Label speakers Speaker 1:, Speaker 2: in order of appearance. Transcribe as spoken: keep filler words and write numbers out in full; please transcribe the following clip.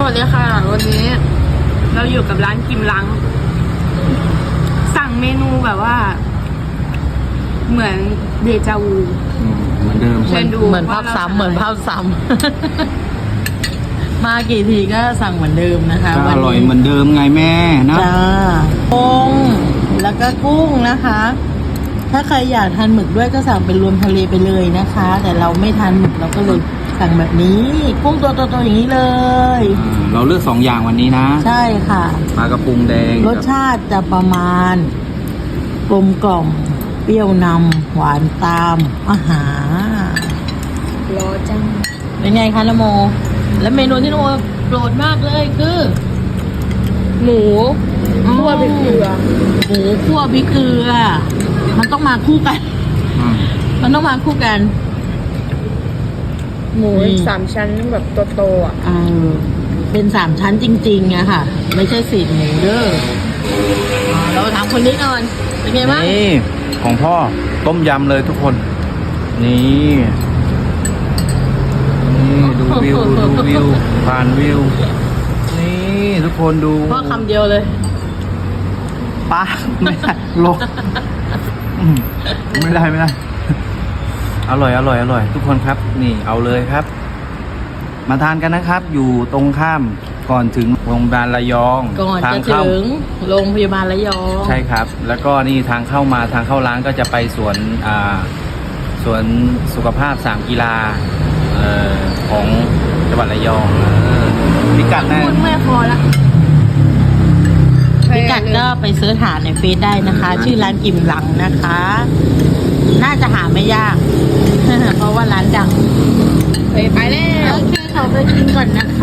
Speaker 1: วัสดีค่ะวันนี้เราอยู่กับร้านกิมลังสั่งเมนูแบบว่า เหมือนเดจาวู
Speaker 2: เหมือนเดิม
Speaker 1: เชิญดู
Speaker 3: เหมือนภาพซ้ำเหมือนภาพซ้ำ มากี่ทีก็สั่งเหมือนเดิมนะคะ
Speaker 2: ก็
Speaker 3: วั
Speaker 2: อน ร่อย
Speaker 3: นี้
Speaker 2: เหมือนเดิมไงแม่นะ
Speaker 3: จ้ากุ้งแล้วก็กุ้งนะคะ ถ้าใครอยากทานหมึกด้วยก็สั่งเป็นรวมทะเลไปเลยนะคะ แต่เราไม่ทานหมึกเราก็เลยสั่งแบบนี้ กุ้งตัวโตๆอย่างนี้เลย
Speaker 2: อ่าเราเลือกสองอย่างวันนี้นะ
Speaker 3: ใช่ค่ะ
Speaker 2: ปลากระพุงแดง
Speaker 3: รสชาติจะประมาณกลมกล่อมเปรี้ยวนำหวานตามอาหาร
Speaker 1: รอจัง
Speaker 3: เป็นไงคะนโม และเมนูที่นโมโปรดมากเลยคือ
Speaker 1: หมูคั่วพริกเกลือ
Speaker 3: หมูคั่วพริกเกลือ มันต้องมาคู่กัน
Speaker 2: อืม
Speaker 3: มันต้องมาคู่กัน
Speaker 1: หมู
Speaker 3: นี่
Speaker 1: สามชั้นแบบโตๆอ่ะ
Speaker 3: เออเป็นสามชั้นจริงๆอะค่ะ ไม่ใช่สีหมูเด้ออ่าเราถามคนนี้ก่อน เป็นไงบ้าง
Speaker 2: นี่ของพ่อต้มยำเลยทุกคน นี่นี่ดูวิวดูวิวผ่านวิว นี่ทุกคนดู
Speaker 3: พ่อคำเดียวเลย
Speaker 2: ป้าไม่ได้ลงอืมไม่ได้ไม่ได้ อร่อยอร่อยอร่อย ทุกคนครับ นี่เอาเลยครับ มาทานกันนะครับ อยู่ตรงข้ามก่อนถึงโรงพยาบาลระยอง
Speaker 3: ก่อน
Speaker 2: ทา
Speaker 3: จะ
Speaker 2: งเข้า
Speaker 3: ถึงโรงพยาบาลระยอง
Speaker 2: ใช่ครับ แล้วก็นี่ทางเข้ามาทางเข้าร้านก็จะไปสวนอ่าสวนสุขภาพสามกีฬาเอ่อของจังหวัดระยองเออพิกัดนะ
Speaker 1: พูดไม่พอละ
Speaker 3: พิกัดก็ไปเสิร์ชหาในเฟซได้นะคะ ชื่อร้านกิมหลังนะคะ น่าจะหาไม่ยาก เพราะว่าร้านดัง
Speaker 1: ไปไปแล้ว
Speaker 3: โอเคเขาไปกินก่อนนะคะ